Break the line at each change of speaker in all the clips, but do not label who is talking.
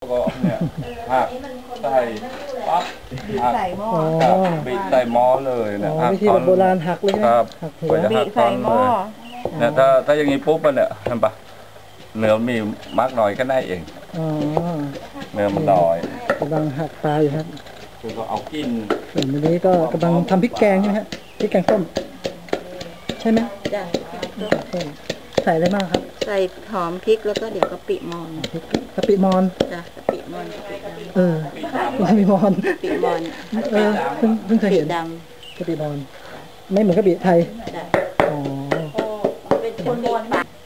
ก็เนี่ยหักใส่ปั๊บหักใส่หม้อบีบใส่หม้อเลยนะ
วิธีแบบโบราณหักเลย
ครับ
หักหัว
บีบใส่หม้อเนี่ยถ้าอย่างนี้ปุ๊บเนี่ยเห็นปะเนื้อมีมากหน่อยก็ได้เองเนื้อมันน้อย
กำลังหักปลาอยู่ครับ
คือก็เอากิน
ส่วนนี้ก็กำลังทำพริกแกงใช่ไหมฮะพริกแกงส้มใช่ไหม
จ้ะ
ใส่อะไรบ้างครับ
ใส่หอมพริกแล้วก็เดี๋ยวกะปิมอน
กะปิมอน
จ้ะกะปิมอน
กะปิมอน
กะปิมอน
เพิ่งเคยเห็นกะปิมอนไม่เหมือนกะปิไทยอ๋อ
เป็นคนมอน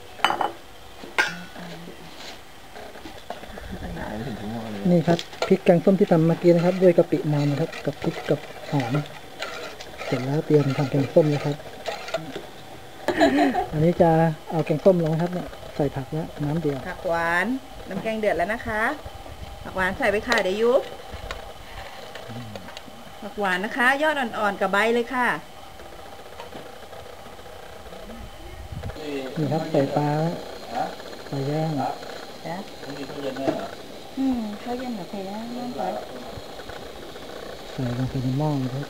นี่ครับพริกแกงส้มที่ทำเมื่อกี้นะครับด้วยกะปิมอนนะครับกับพริกกับหอมเสร็จแล้วเตรียมทำแกงส้มนะครับอันนี้จะเอาแกงส้มลงครับเนี่ยใส่ผักแล้วน้ำเดียว
ผักหวานน้ำแกงเดือดแล้วนะคะผักหวานใส่ไปค่ะเดี๋ยวยุบผักหวานนะคะยอดอ่อนๆกับใบเลยค่ะ
นี่ครับใส่ปลาปลาย่าง
จ้ะเขาเย็นแบบนี้น้องไป
ใส่ลงไปในหม้อครับ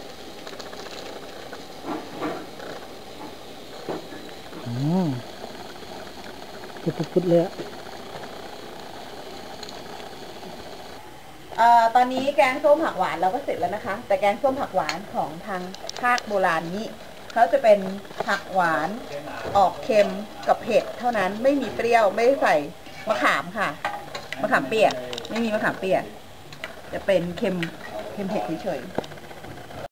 พุดเลย
ตอนนี้แกงส้มผักหวานเราก็เสร็จแล้วนะคะแต่แกงส้มผักหวานของทางภาคโบราณนี้เขาจะเป็นผักหวานออกเค็มกับเผ็ดเท่านั้นไม่มีเปรี้ยวไม่ใส่มะขามค่ะมะขามเปียกไม่มีมะขามเปียกจะเป็นเค็มเผ็ดเฉยๆ